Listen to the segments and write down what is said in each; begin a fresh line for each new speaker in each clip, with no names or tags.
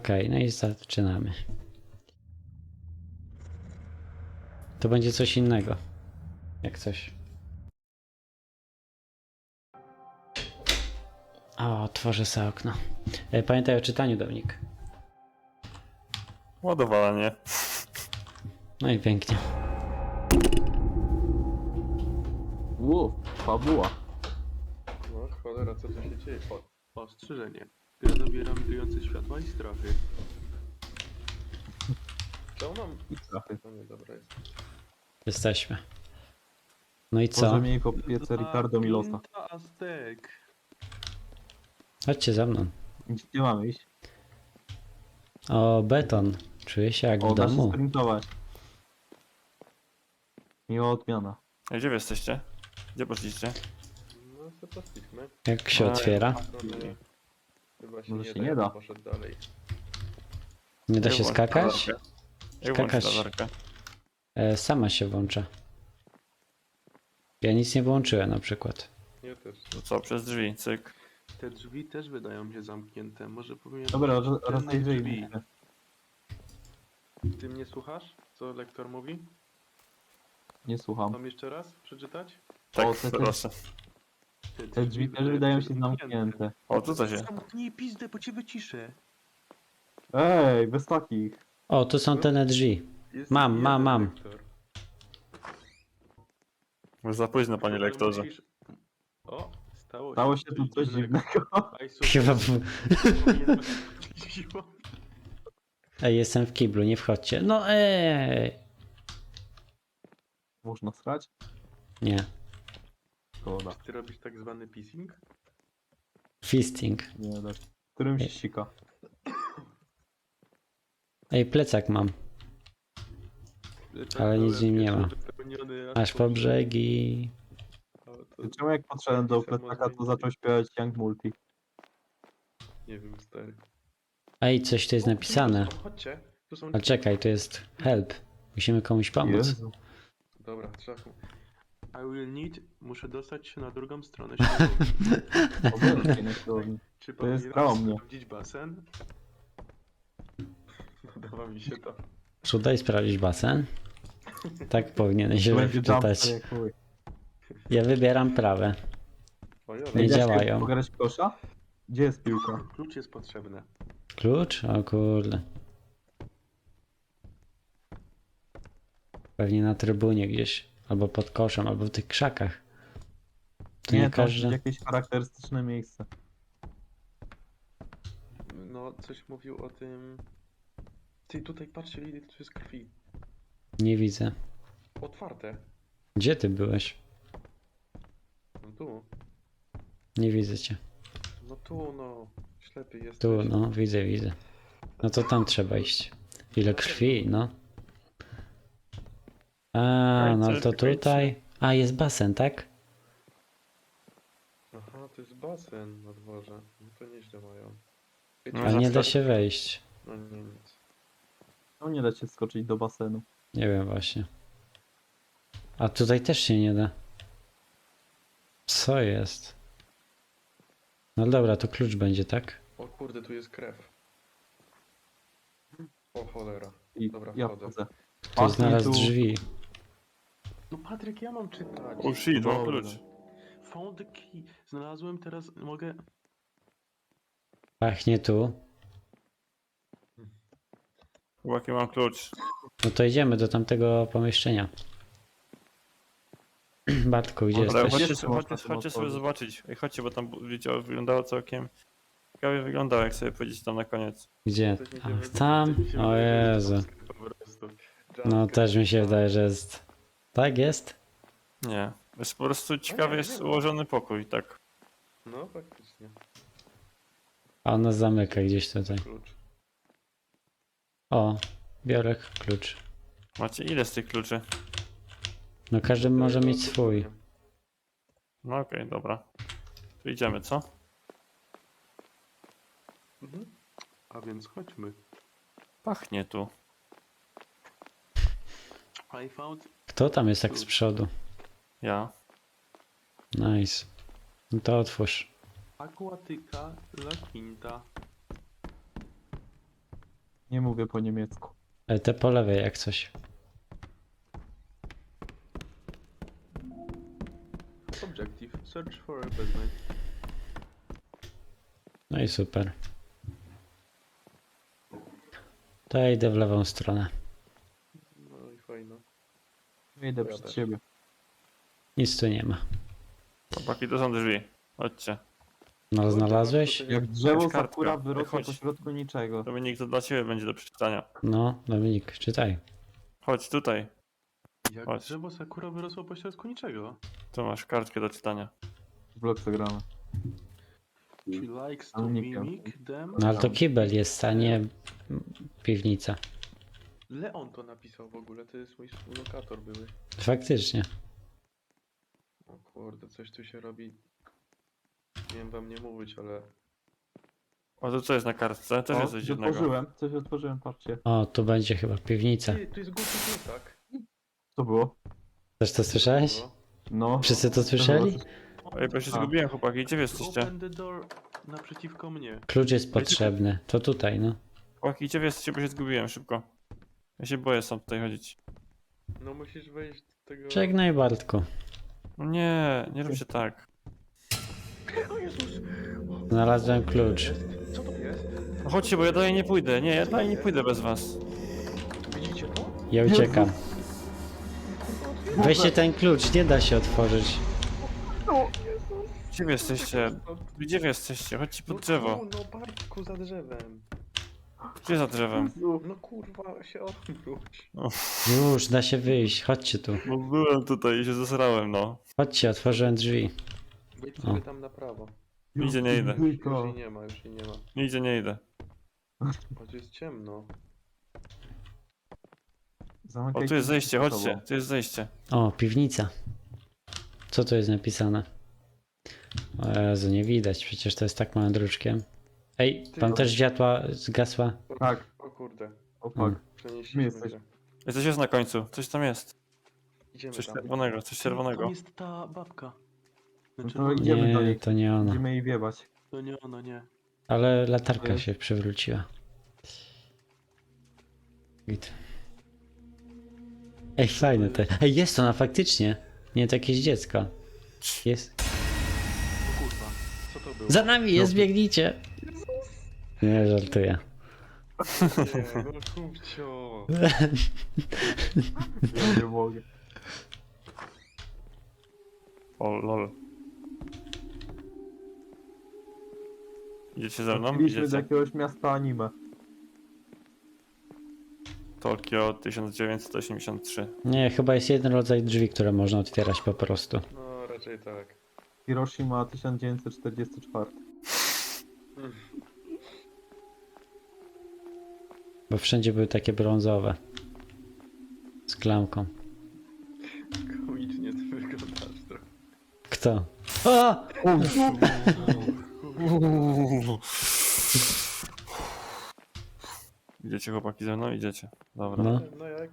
Okej, no i zaczynamy. To będzie coś innego. Jak coś. O, otworzę sobie okno. Pamiętaj o czytaniu, Dominik.
Ładowanie.
No i pięknie.
Fabuła.
No cholera, co tu się dzieje? Ostrzeżenie. Gra zawiera migrujące światła i strachy. Co mam?
I trafy.
No nie, dobra jest.
Jesteśmy. No i co?
Może mieli po piece Ricardo Milosa.
Quinta Aztek.
Chodźcie za mną.
Gdzie mamy iść?
O, beton. Czuję się jak
O,
w
da się
domu.
sprintować. Miła odmiana.
A gdzie wy jesteście? Gdzie poszliście?
No sobie poszliśmy.
Jak się otwiera?
Stronę chyba się
Może
nie
się
da,
nie
ja
da.
bym poszedł dalej.
Nie da
Jak
się
włączyć
skakać?
latarkę? Jak włączyć
Skakać.
latarkę?
Sama się włącza. Ja nic nie włączyłem na przykład.
Ja też.
To co, przez drzwi, cyk.
Te drzwi też wydają się zamknięte. Może powinien...
Dobra,
tylnych
rozejrzyjmy
drzwi.
się.
Ty mnie słuchasz? Co lektor mówi?
Nie słucham.
Mam jeszcze raz przeczytać?
Tak,
O, te-
proszę.
Te drzwi też wydają się zamknięte.
O, tutaj się.
Zamknij pizdę, bo cię wyciszę.
Ej, bez takich.
O, tu są te drzwi.
Jest
Mam,
jeden
mam, mam.
lektor.
Już za późno, panie
Potem
lektorze.
musisz- O,
Stało się tu coś dziwnego.
Aj, super.
Chyba...
Powinienem siłą.
Ej, jestem w kiblu, nie wchodźcie. No
Można srać?
Nie.
Szkoda.
Czy ty robisz tak zwany pissing?
Fisting.
Nie, tak. Którym się sika.
Ej, plecak mam. Ale nic w nim nie ma. Aż po brzegi.
Czemu jak podszedłem do plecaka, to zaczął śpiewać Young Multi?
Nie wiem, stary.
Ej, coś tu jest napisane.
Chodźcie, tu są...
Ale czekaj, tu jest help. Musimy komuś pomóc.
Jezu.
Dobra, trzeba... I will need... Muszę dostać się na drugą stronę siłowni.
Obecnie na siłowni.
Czy
To jest
powinienem
prawo mnie.
sprawdzić basen? Podoba mi się to.
Daj sprawdzić basen. Tak powinieneś
To
się
będzie jumpster
wczytać.
jak chuj.
Ja wybieram prawe.
Ojole,
Nie
Da się
działają.
Pograć w kosza? Gdzie jest piłka?
klucz jest potrzebny.
Klucz? O kurde. Pewnie na trybunie gdzieś. Albo pod koszem, albo w tych krzakach. To nie
Nie, to
każdy.
jakieś charakterystyczne miejsce.
No, coś mówił o tym... Ty, tutaj patrzcie, ile tu jest krwi.
Nie widzę.
Otwarte.
Gdzie ty byłeś?
No tu.
Nie widzę cię.
No tu, no. Ślepy jesteś.
Tu, no, widzę, widzę. No to tam trzeba iść. Ile krwi, no. A, no to tutaj. A, jest basen, tak?
Aha, to jest basen na dworze. No to nieźle mają.
No,
A nie da się wejść.
No nie, nic.
No nie da się skoczyć do basenu.
Nie wiem właśnie. A tutaj też się nie da. Co jest? No dobra, to klucz będzie, tak?
O kurde, tu jest krew. O cholera.
I
Dobra,
ja
wchodzę.
wchodzę.
Ktoś znalazł drzwi.
No Patryk, ja mam czytać.
O shit, mam
Dobra.
klucz.
Found the key. Znalazłem teraz, mogę...
Pachnie tu.
Chłopaki, mam klucz.
No to idziemy do tamtego pomieszczenia. Bartku, gdzie
Ale
jesteś?
Jeszcze można
chodźcie
tym
sobie
otworzyć.
zobaczyć. Ej, chodźcie, bo tam wyglądało całkiem... Ciekawie wyglądało, jak sobie powiedzieć tam na koniec.
Gdzie?
Coś mi się
A,
wydaje-
tam?
coś mi się
O
wydaje, że
Jezu.
jumpscare po prostu.
No
Jumpscare.
też mi się wydaje, że jest. Tak jest?
Nie. Jest po prostu ciekawy
nie,
jest
nie.
ułożony pokój, tak.
No faktycznie.
A ona zamyka gdzieś tutaj.
Klucz.
O, biorę klucz.
Macie ile z tych kluczy?
No każdy może mieć swój.
No okej, dobra. Tu idziemy, co?
Mhm. A więc chodźmy.
Pachnie tu.
I found
Kto tam jest tak z przodu?
Ja.
Nice. No to otwórz.
Aquatyka La Quinta.
Nie mówię po niemiecku.
Ale te po lewej jak coś.
Objective. Search for a basement.
No i super. To ja idę w lewą stronę.
No i fajno.
Idę
Ja
przed
też.
siebie.
Nic tu nie ma.
Chłopaki, to są drzwi. Chodźcie.
No znalazłeś?
Jak drzewo
Jakaś kartka.
sakura wyrosło
Chodź.
pośrodku niczego.
Dominik, to dla ciebie będzie do przeczytania.
No, Dominik, czytaj.
Chodź tutaj.
Jak
Chodź.
drzewo sakura wyrosło po środku niczego.
Tu masz kartkę do czytania.
W blok gramy.
She likes to
Ale nie
mimic them.
No ale to kibel jest, a nie piwnica.
Leon to napisał w ogóle, to jest mój współlokator były.
Faktycznie.
O kurde, coś tu się robi. Nie wiem wam nie mówić, ale...
O, to co jest na kartce? Też jest coś dziwnego.
Coś otworzyłem, patrzcie.
O, tu będzie chyba piwnica.
Ty, tu jest głupi plecak.
Co było?
Też to słyszałeś?
No.
Wszyscy to słyszeli?
Ej, bo ja się
A.
zgubiłem, chłopaki. Gdzie wy jesteście?
Open the door naprzeciwko mnie.
Klucz jest potrzebny. To tutaj, no.
Chłopaki, gdzie wy jesteście, bo się zgubiłem szybko. Ja się boję sam tutaj chodzić.
No musisz wejść do tego...
Żegnaj Bartku.
No nie, nie róbcie tak.
O Jezus!
Znalazłem klucz.
Co to jest?
No chodźcie, bo ja dalej nie pójdę. Nie, ja dalej nie pójdę bez was.
Widzicie to?
Ja uciekam. Weźcie ten klucz, nie da się otworzyć.
Gdzie wy jesteście? Gdzie wy jesteście? Chodźcie pod drzewo.
No Bartku, za drzewem.
Gdzie za drzewem?
No kurwa, się odwróć.
Już, da się wyjść. Chodźcie tu.
No byłem tutaj i się zesrałem, no.
Chodźcie, otworzyłem drzwi.
Wejdź
O.
sobie tam na prawo.
Nigdzie nie idę.
Już jej nie ma, już jej nie ma.
Nigdzie nie idę.
Bo tu jest ciemno.
O, tu jest zejście, chodźcie. Tu jest zejście.
O, piwnica. Co tu jest napisane? O Jezu, nie widać, przecież to jest tak małym druczkiem. Ej, tam też światła zgasła.
Tak.
O kurde,
O
Mm.
fuck.
przenieśliśmy
jesteś.
się.
Ej, coś jest na końcu. Coś tam jest.
Idziemy
Coś
tam.
czerwonego, coś
Tam
czerwonego.
jest ta babka.
No
Znaczy,
to
no,
idziemy do
Nie,
niej.
to nie ona.
Będziemy jej wiebać.
to nie ono, nie.
Ale latarka się przewróciła. Git. Ej, fajne te. Ej, jest ona faktycznie. Nie, to jakieś dziecko. Jest.
O kurwa, co to było?
Za nami jest, biegnijcie. Nie, żartuję.
Nie, no kupcio.
Ja nie mogę.
O, lol. Idziecie ze mną?
Wróciliśmy do
Idziecie?
jakiegoś miasta anime.
Tokio 1983.
Nie, chyba jest jeden rodzaj drzwi, które można otwierać po prostu.
No raczej tak.
Hiroshima 1944.
Bo wszędzie były takie brązowe. Z klamką.
Komicznie ty wyglądasz trochę.
Kto? O!
Idziecie chłopaki ze mną? Idziecie. Dobra.
No.
No jak?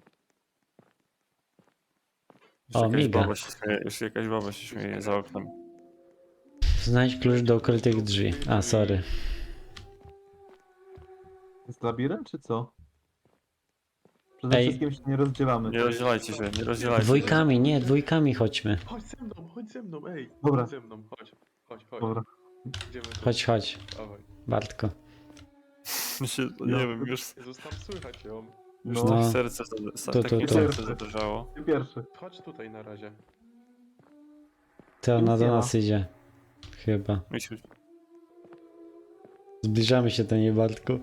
Jeszcze
O,
jakaś
miga.
baba się śmieje, jeszcze jakaś baba się śmieje za oknem.
Znajdź klucz do ukrytych drzwi. A, sorry.
Jest labirynt czy co? Przede
Ej.
wszystkim się nie rozdzielamy.
Nie rozdzielajcie się, nie rozdzielajcie się.
Dwójkami, nie, dwójkami chodźmy.
Chodź ze mną, ej.
Dobra.
Chodź ze mną, chodź. Chodź.
Dobra.
Idziemy tu.
Chodź, chodź,
Dawaj.
Bartko.
Mi się, nie wiem, już
Jezus, tam słychać ją.
No,
No.
tak serce,
Tu,
tak mi
tu.
serce zadrżało.
ty pierwszy.
Chodź tutaj na razie.
To ona
Nic
do
nie ma.
nas idzie. Chyba.
Misiu,
Zbliżamy się do niej, Bartku.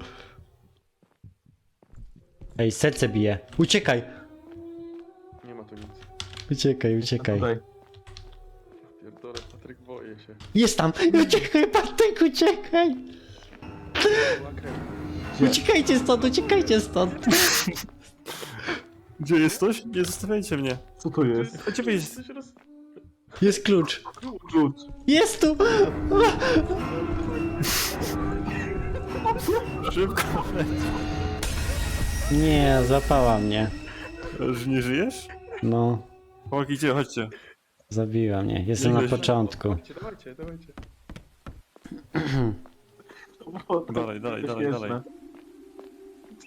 Ej, serce bije. Uciekaj!
Nie ma tu nic.
Uciekaj, uciekaj.
Tutaj.
Pierdolę, Patryk, boję się.
Jest tam! Uciekaj, Bartek, uciekaj!
Była krew.
Uciekajcie stąd, uciekajcie stąd!
Gdzie jesteś? Nie zostawiajcie mnie.
Co to jest?
Chodźcie wyjść.
Coś roz...
Jest klucz!
Klucz.
Jest tu!
Szybko.
Nie, złapała mnie.
Już nie żyjesz?
No,
Chłopaki, gdzie? Chodźcie.
zabiła mnie. Jestem na początku.
Dawajcie.
Dalej.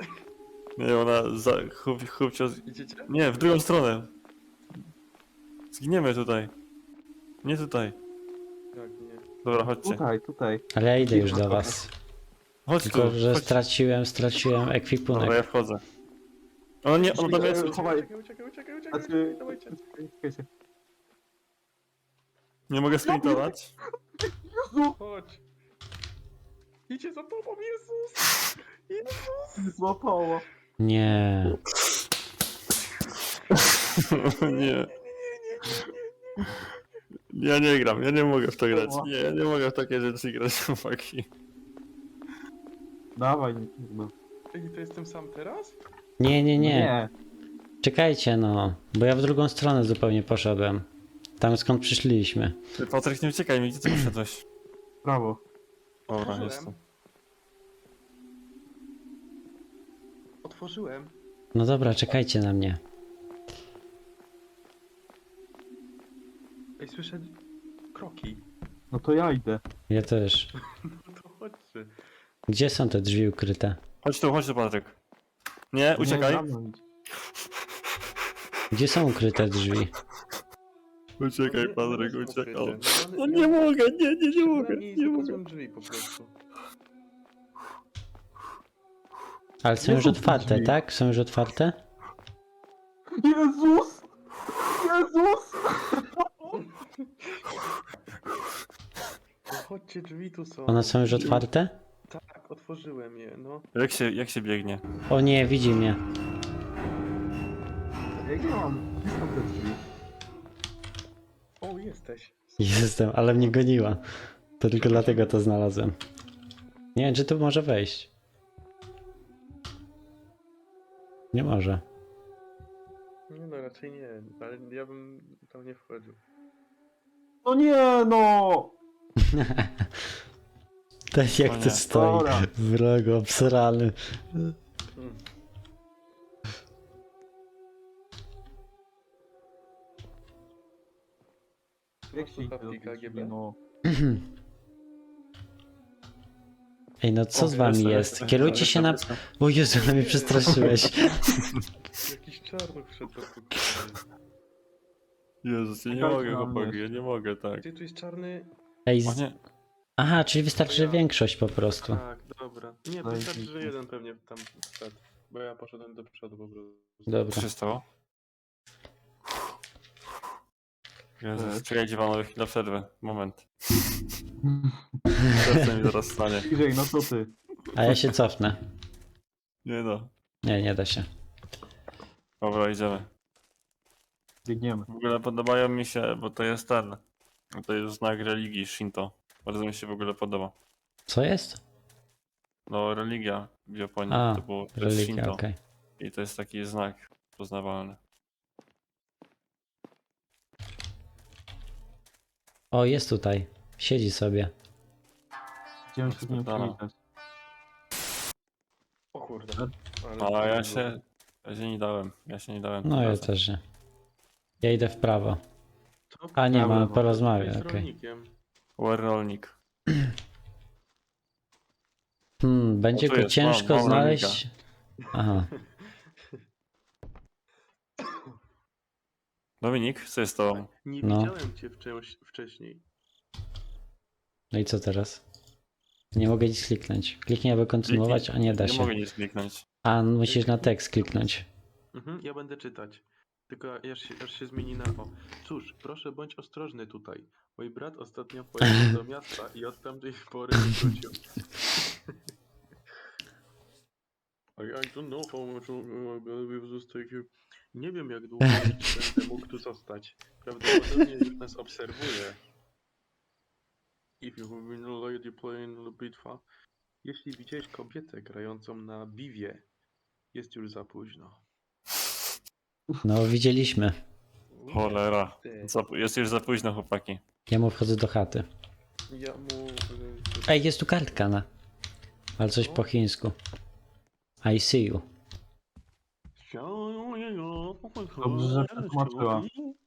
Nie, ona za... Chłopcio...
Idziecie?
Nie, w drugą stronę. Zginiemy tutaj. Nie tutaj.
Tak, nie.
Dobra, chodźcie.
Tutaj.
Ale ja idę już do was.
Chodź tu,
Tylko, że
chodź.
straciłem
Dobra,
ekwipunek.
ja wchodzę. Ona nie, ona tam jest.
Chowaj.
Uciekaj,
Znaczy...
dawajcie.
Czekajcie.
Nie mogę sprintować.
Chodź. Idzie za tobą, Jezus! Jezus!
Złapało.
Nie.
Nie. Ja nie gram, ja nie mogę w to grać. Nie, ja nie mogę w takie rzeczy grać, chłopaki.
Dawaj, nie trudno.
Ej, to jestem sam teraz?
Nie. Czekajcie no, bo ja w drugą stronę zupełnie poszedłem. Tam skąd przyszliśmy.
Ty, Patryk, nie uciekaj mi, gdzie ty poszedłeś?
Brawo.
Dobra,
Otworzyłem.
jestem.
Otworzyłem.
No dobra, czekajcie na mnie.
Ej, słyszę kroki.
No to ja idę.
Ja też.
No to chodźcie.
Gdzie są te drzwi ukryte?
Chodź tu, Patryk. Nie, uciekaj.
Nie, za mną idź.
Gdzie są ukryte drzwi?
Uciekaj,
No,
Patryk,
no,
uciekaj.
no,
No nie mogę, nie mogę,
Nie
nie mogę.
mogę. Drzwi po prostu.
Ale są
Nie
już
są
otwarte,
drzwi.
tak? Są już otwarte?
Jezus! Jezus!
No, chodźcie, drzwi tu są.
One są już otwarte?
Tak, otworzyłem je, no.
Jak się biegnie?
O nie, widzi mnie.
Jak ja mam? Gdzie są te drzwi?
O, jesteś.
Jestem, ale mnie goniła. To tylko dlatego to znalazłem. Nie wiem, czy tu może wejść. Nie może.
Nie no, raczej nie, ale ja bym tam nie wchodził.
No nie, no!
Tak
O
jak
nie.
to stoi.
Dobra.
Wrogo, obsrany.
Hmm.
Jak się idzie do tych
KGB?
drzwi, no?
Ej, no co
O,
z wami
jestem,
jest?
jestem,
Kierujcie się na...
jestem.
O Jezu, ale mnie przestraszyłeś.
Jakiś czarnuch wszedł do pokoju.
Jezus, ja nie
Czekajcie
mogę,
na mnie
chłopaki, ja
jeszcze.
nie mogę, tak.
Gdzie tu jest czarny?
Ej,
O nie,
aha, czyli wystarczy, że większość po prostu.
Tak, dobra. Nie,
No i
wystarczy, że
widzisz.
jeden pewnie tam wszedł. Bo ja poszedłem do przodu po prostu.
Dobra.
co się stało? Jezus,
Tak.
czekajcie panowie, chwilę przerwę, moment. Co mi zaraz stanie?
Bliżej, no co ty?
A ja się cofnę.
Nie no.
Nie, nie da się.
Dobra, idziemy.
Biegniemy.
W ogóle podobają mi się, bo to jest ten. To jest znak religii Shinto. Bardzo mi się w ogóle podoba.
Co jest?
No, religia w Japonii
A,
to jest
religia,
Shinto.
okej.
I to jest taki znak poznawalny.
O, jest tutaj. Siedzi sobie.
Idziemy się z nim
Spierdala.
przywitać.
O kurde.
A ja się nie dałem. Ja się nie dałem.
No
tym
ja
razem.
też nie. Ja idę w prawo.
To
A nie,
Prawo,
mamy
no.
porozmawiać,
jest
okej.
rolnikiem.
Rolnik.
Będzie
O, tu
go
jest,
ciężko
mam
znaleźć. Aha.
Dominik, co jest to?
Nie
No.
widziałem cię wcześniej.
No i co teraz? Nie mogę nic kliknąć. Kliknij, aby kontynuować, a nie da
Nie
się.
mogę nic kliknąć.
A, musisz na tekst kliknąć.
Ja będę czytać. Tylko aż się zmieni na o. Cóż, proszę bądź ostrożny tutaj. Mój brat ostatnio pojechał do miasta i od tamtej pory nie wrócił. I don't know how much we've zostać. Nie wiem jak długo będę mógł tu zostać. Prawdopodobnie już nas obserwuje. If you have been a lady playing the bitwa. Jeśli widziałeś kobietę grającą na biwie, jest już za późno.
No, widzieliśmy.
Cholera. Jest już za późno, chłopaki.
Ja mu wchodzę do chaty.
Ja mu...
Ej, jest tu kartka na. Ale coś po chińsku. I see you.
Dobrze, że przetłumaczyła.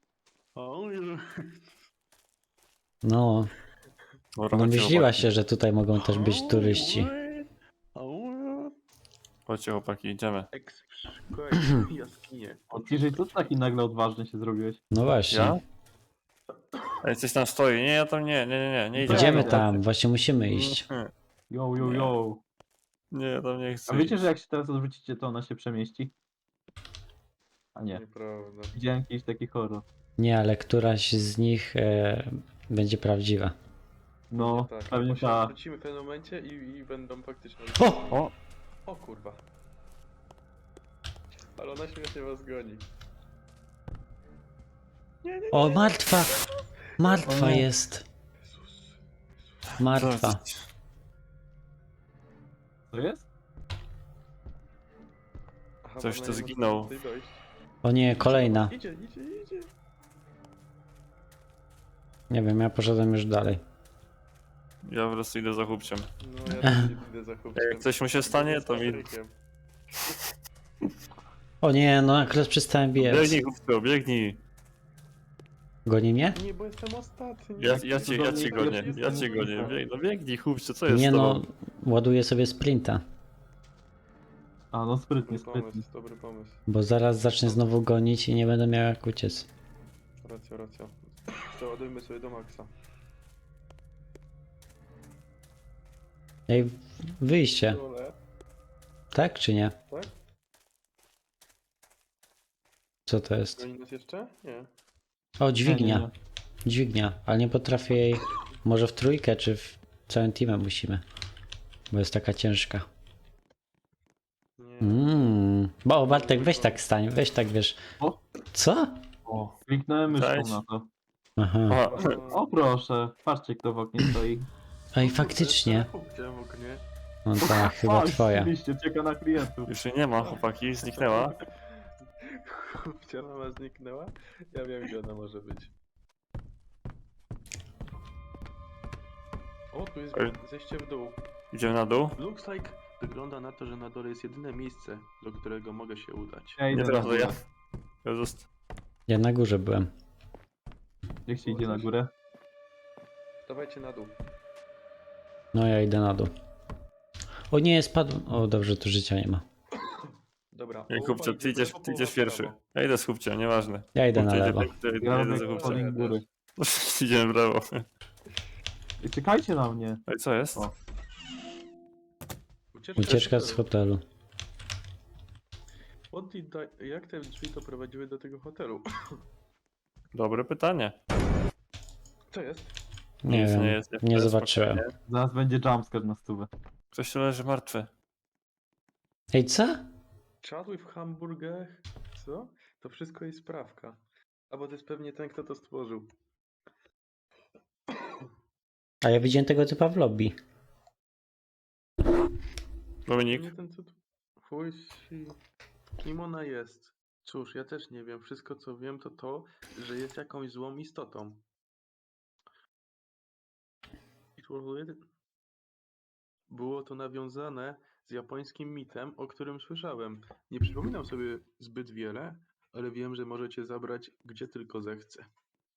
No,
Dobra,
no
chodźcie,
myśliła
chłopaki.
się, że tutaj mogą też być turyści.
Chodźcie chłopaki, idziemy.
Szukaj jaskinie.
O, TJ, co ty taki nagle odważny się zrobiłeś?
No właśnie.
Ja? Ej, coś tam stoi. Nie, ja tam nie idę.
Idziemy
Ja
tam, właśnie musimy iść.
Yo, yo,
Nie.
yo.
Nie, ja tam nie chcę.
A wiecie,
iść.
że jak się teraz odwrócicie, to ona się przemieści? A nie.
Nieprawda.
Widziałem jakiś taki horror.
Nie, ale któraś z nich będzie prawdziwa.
No,
Tak,
pewnie
bo się
ta.
wrócimy w pewnym momencie i będą faktycznie...
O!
O kurwa. Ale ona śmiesznie was goni.
O, martwa! Martwa
O nie.
jest. Martwa.
Co jest?
Aha,
Coś
bo
tu
ona nie
zginął.
może tutaj dojść.
O nie, kolejna.
Idzie.
Nie wiem, ja poszedłem już dalej.
Ja po prostu idę za chłopciem.
No ja też idę za chłopcem.
Jak coś mu się stanie, to mi...
O nie, no akurat przestałem biec.
Biegnij chłopco, biegnij.
Goni mnie?
Nie, bo jestem ostatni.
Ja cię gonię, ja cię gonię. No biegnij chłopcze, co jest
Nie
z
no,
tobą?
ładuję sobie sprinta.
A, no sprytnie,
Dobry
sprytnie.
pomysł, dobry pomysł.
Bo zaraz zacznę znowu gonić i nie będę miał jak uciec.
Racja. Przeładujmy sobie do maksa.
Ej, wyjście.
Dole,
Tak czy nie?
tak?
Co to jest?
Goni nas jeszcze? Nie.
O,
Nie,
dźwignia.
nie.
Dźwignia, ale nie potrafię jej... Może w trójkę, czy w całym teamem musimy. Bo jest taka ciężka.
Nie.
Bo Bartek, weź tak stań, weź tak, wiesz.
O.
Co?
O, kliknąłem myszką
Cześć.
na to.
Aha.
Aha,
O proszę, patrzcie kto w oknie stoi.
Ej, faktycznie.
Widziałem w oknie.
No tak, chyba
O,
twoja.
Oczywiście, czeka na klientów.
już jej nie ma chłopaki, zniknęła.
Gdzie ona zniknęła? Ja wiem, gdzie ona może być. O, tu jest
Ej.
zejście w dół.
Idziemy na dół?
Looks like... Wygląda na to, że na dole jest jedyne miejsce, do którego mogę się udać.
Ja idę
Nie
na
teraz,
górę.
ja zost...
Ja na górze byłem.
Jak się idzie na górę?
Dawajcie na dół.
No ja idę na dół. O nie, spadłem. O, dobrze, tu życia nie ma.
Dobra.
Ej,
połowa
chłopcze,
idzie
ty idziesz,
w lewo,
ty idziesz
połowa w
pierwszy.
prawo.
Ja idę z chłopciem, nieważne.
Ja idę na
Chłopcze
lewo.
ja idę
robię
za chłopcem.
calling góry.
Idziemy w lewo.
I czekajcie na mnie.
Ej, co jest?
O.
Ucieczka z hotelu.
Jak te drzwi to prowadziły do tego hotelu?
Dobre pytanie.
Co jest?
Nie
Nic
wiem,
jest,
nie
jest,
zobaczyłem.
spokojnie.
Zaraz będzie jumpscare na stówę.
Ktoś tu leży martwy.
Ej, co?
Chatły w hamburgach? Co? To wszystko jest sprawka. Albo to jest pewnie ten, kto to stworzył.
A ja widziałem tego typa w lobby.
Dominik?
Nie ten, co tu... Chuj si... Kim ona jest? Cóż, ja też nie wiem. Wszystko, co wiem, to to, że jest jakąś złą istotą. Było to nawiązane z japońskim mitem, o którym słyszałem. Nie przypominam sobie zbyt wiele, ale wiem, że możecie zabrać gdzie tylko zechce.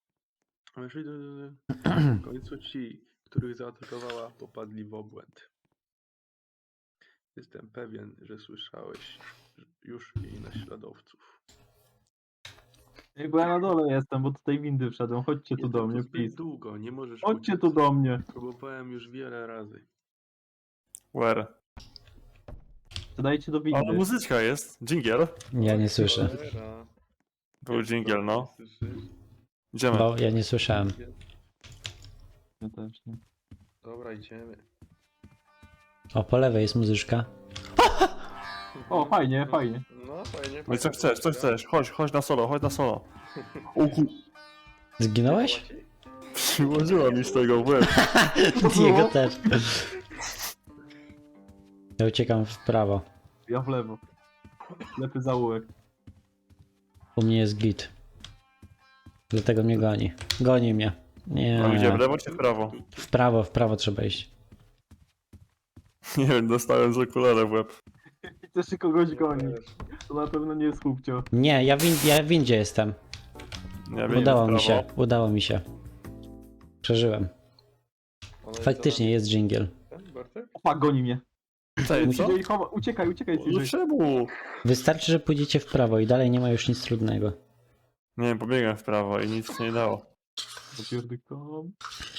W końcu ci, których zaatakowała, popadli w obłęd. Jestem pewien, że słyszałeś już jej naśladowców.
Ej, bo ja na dole jestem, bo tutaj windy wszedłem. Chodźcie tu do
Jestem
mnie,
zbyt
please.
długo, nie możesz
Chodźcie
uciec.
tu do mnie.
Próbowałem już wiele razy.
Where?
Dajcie do
O,
windy.
muzyczka jest. Dżingiel.
Ja nie słyszę.
Cholera.
Był dżingiel, no.
Słyszysz?
Idziemy.
Bo ja nie słyszałem.
Ja też nie.
Dobra, idziemy.
O, po lewej jest muzyczka.
O, fajnie, fajnie.
No, fajnie.
No i co chcesz, co chcesz? Chodź na solo, chodź na solo. O ku...
Zginąłeś?
Przyłożyła mi z tego w łeb.
Diego też. Ja uciekam w prawo.
Ja w lewo. Lepy zaułek.
U mnie jest git. Dlatego mnie goni. Goni mnie.
A gdzie, w
Nie.
lewo czy w prawo?
W prawo trzeba iść.
Nie wiem, dostałem z okulara w łeb.
Chcesz kogoś gonić. To na pewno nie jest chłopcio.
Nie, ja w windzie jestem.
Nie wiem,
Udało
w
mi
prawo.
się, udało mi się. Przeżyłem. Faktycznie jest dżingiel.
Bartek?
Opa, goni mnie.
Cześć, co?
CJ, uciekaj,
No
CJ.
czemu?
Wystarczy, że pójdziecie w prawo i dalej nie ma już nic trudnego.
Nie, pobiegłem w prawo i nic się nie dało.
Popierdykam.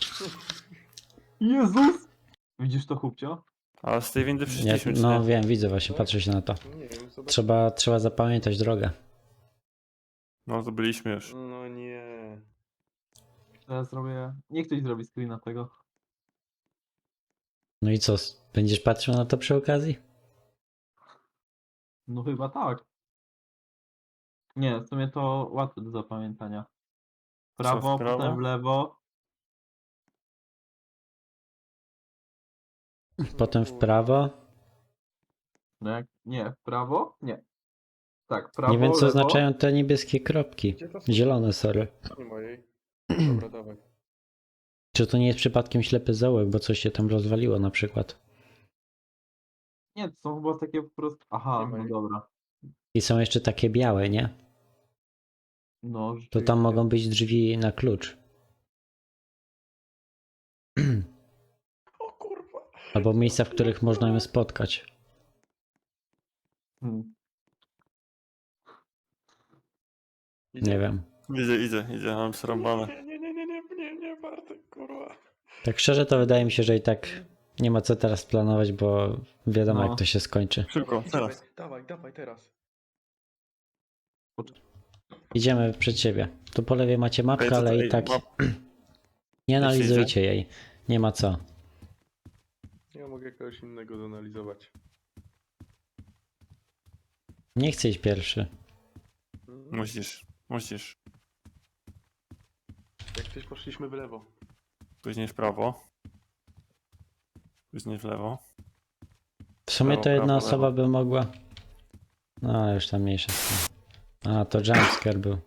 Jezus! Widzisz to, chłopcio?
Ale z tej windy
Ja,
przyszliśmy, czy
no
nie?
wiem, widzę właśnie, patrzę się na to.
Nie wiem, zobacz.
Trzeba zapamiętać drogę.
No to byliśmy już.
No nie.
Teraz zrobię... Niech ktoś zrobi screena tego.
No i co, będziesz patrzył na to przy okazji?
No chyba tak. Nie, w sumie to łatwe do zapamiętania. Prawo,
w prawo?
potem w lewo.
Potem w prawo.
No jak... Nie, w prawo? Nie. Tak, prawo,
Nie wiem, co
lewo.
oznaczają te niebieskie kropki.
Gdzie to są?
Zielone, sorry.
Nie mojej. Dobra, dawaj.
Czy to nie jest przypadkiem ślepy zaułek, bo coś się tam rozwaliło na przykład?
Nie, to są chyba takie po prostu... Aha,
Nie ma
no
jej.
dobra.
I są jeszcze takie białe, nie?
No,
To tam
rzeczywiście.
mogą być drzwi na klucz.
O kurwa.
Albo miejsca, w których można ją spotkać.
Hmm.
Idzie.
Nie wiem.
Idzie, mam srąbane.
Nie, Bartek, kurwa.
Tak szczerze to wydaje mi się, że i tak nie ma co teraz planować, bo wiadomo
No.
jak to się skończy.
Szybko,
Dawaj,
teraz.
Dawaj, teraz.
Idziemy przed siebie. Tu po lewej macie mapkę,
Ej, to-
ale i
ej,
tak
map-
nie analizujcie jej. Nie ma co.
Ja mogę kogoś innego zanalizować.
Nie chcę iść pierwszy.
Musisz.
Jak coś poszliśmy w lewo.
Później w prawo. Później w lewo.
W sumie
Prawo,
to jedna
prawo,
osoba
lewo.
by mogła... No, już tam mniejsza z tym. A, to jumpscare był.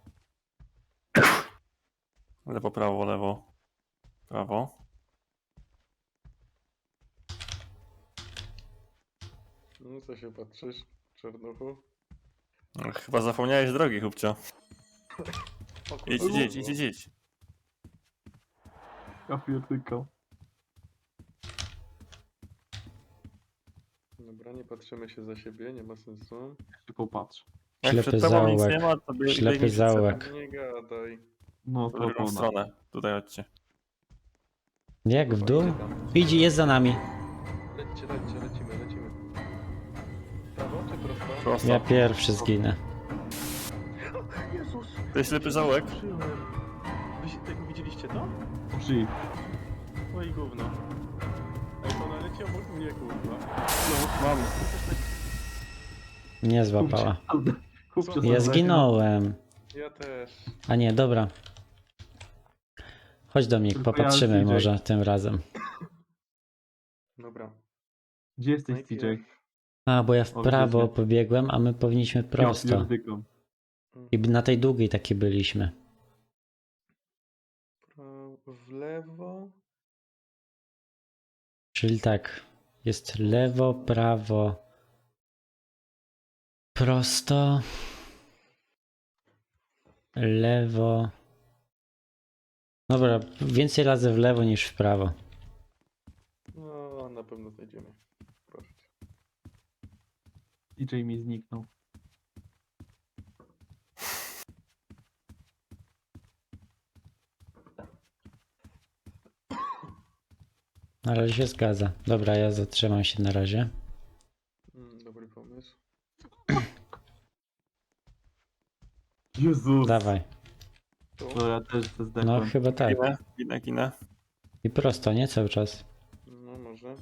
Lewo, prawo, lewo. Prawo.
No co się patrzysz, czarnuchu?
No, chyba zapomniałeś drogi, chłopcio.
O kurwa.
Idź.
Ja pierdykam.
Dobra, nie patrzymy się za siebie, nie ma sensu.
Się popatrz.
Jak
Ślepy
przed tobą nic
zaułek.
nie ma, to
Ślepy
biegnij przed sobą.
zaułek.
Nie gadaj.
No
W
to
drugą
ona.
stronę. Tutaj chodźcie.
Jak w dół?
Idzie tam.
Idzie, jest za nami.
Lecimy. Prawo czy prosto?
Prosto.
Ja pierwszy zginę.
Jezus!
To jest ślepy zaułek?
Tego widzieliście to?
Użyj.
Oj gówno. Ej, to naleci obok mnie, kurwa.
No, mam.
Nie złapała.
Kupcie
Ja zginąłem.
Ja też.
A nie, dobra. Chodź Dominik,
Tylko
popatrzymy
ja, CJ.
może tym razem.
Dobra.
Gdzie jesteś,
Najpierw-
CJ?
A, bo ja w
O,
prawo
wiecie.
pobiegłem, a my powinniśmy prosto.
Ja pierdykam.
I na tej długiej takiej byliśmy.
W lewo.
Czyli tak, jest lewo, prawo, prosto, lewo. Dobra, więcej razy w lewo niż w prawo.
No, na pewno znajdziemy. Proszę cię.
CJ mi zniknął.
Na razie się zgadza. Dobra, ja zatrzymam się na razie.
Dobry pomysł.
Jezus.
Dawaj.
Tu.
To ja też to
No
zdechłem.
chyba tak.
Ginę.
I prosto, nie cały czas.
No, może.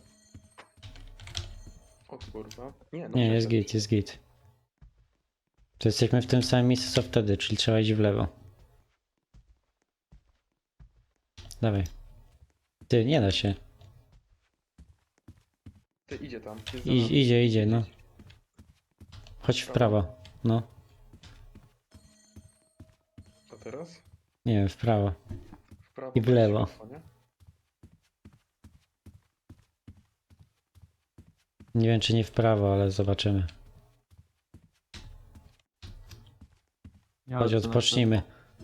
O kurwa. Nie, no
Nie, jest
czekaj.
git, jest git. To jesteśmy w tym samym miejscu co wtedy, czyli trzeba iść w lewo. Dawaj. Ty, nie da się.
Ty, idzie tam. Jest za nami.
Idzie, no. Chodź w prawo. No.
A teraz?
Nie wiem, w prawo.
W prawo.
I w
bez
lewo.
światła, nie?
Nie wiem, czy nie w prawo, ale zobaczymy.
Ja
Chodź,
lecę na
odpocznijmy.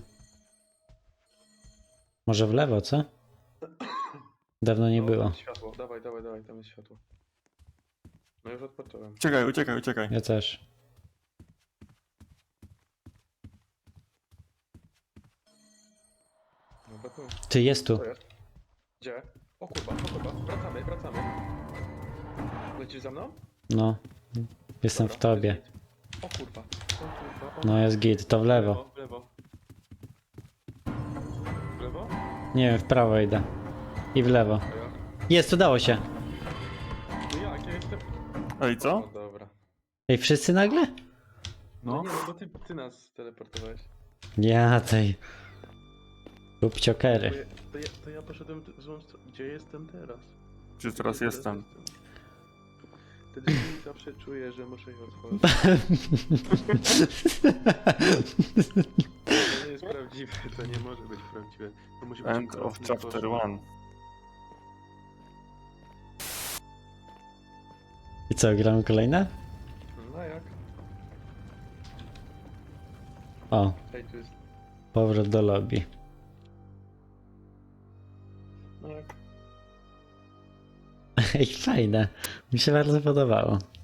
Może w lewo, co? Dawno nie
No,
było.
Tam jest światło. Dawaj, tam jest światło. No już odpocząłem.
Uciekaj.
Ja też.
No to
Ty, jest tu.
co jest? Gdzie? O kurwa, wracamy. Lecisz za mną?
No. Jestem
Dobra,
w tobie.
jest git. O kurwa.
No jest git, to w lewo.
W lewo. W lewo?
Nie wiem, w prawo idę. I w lewo.
A ja?
Jest, udało się.
No jak, ja jestem...
Ej,
No
co?
dobra.
Ej, wszyscy nagle?
No
No.
nie, no bo ty nas teleportowałeś.
Ja tej. Kupciokery.
To ja poszedłem w złą stronę. Gdzie jestem teraz?
Gdzie teraz jestem?
Te drzwi zawsze czuję, że muszę je otworzyć. To nie jest prawdziwe, to nie może być prawdziwe. To musi być
End of
okropny
chapter
koszmar.
1.
I co, gramy kolejne?
No jak?
O,
Ej, tu jest...
powrót do lobby.
No jak?
Ej, fajne. Mi się bardzo podobało.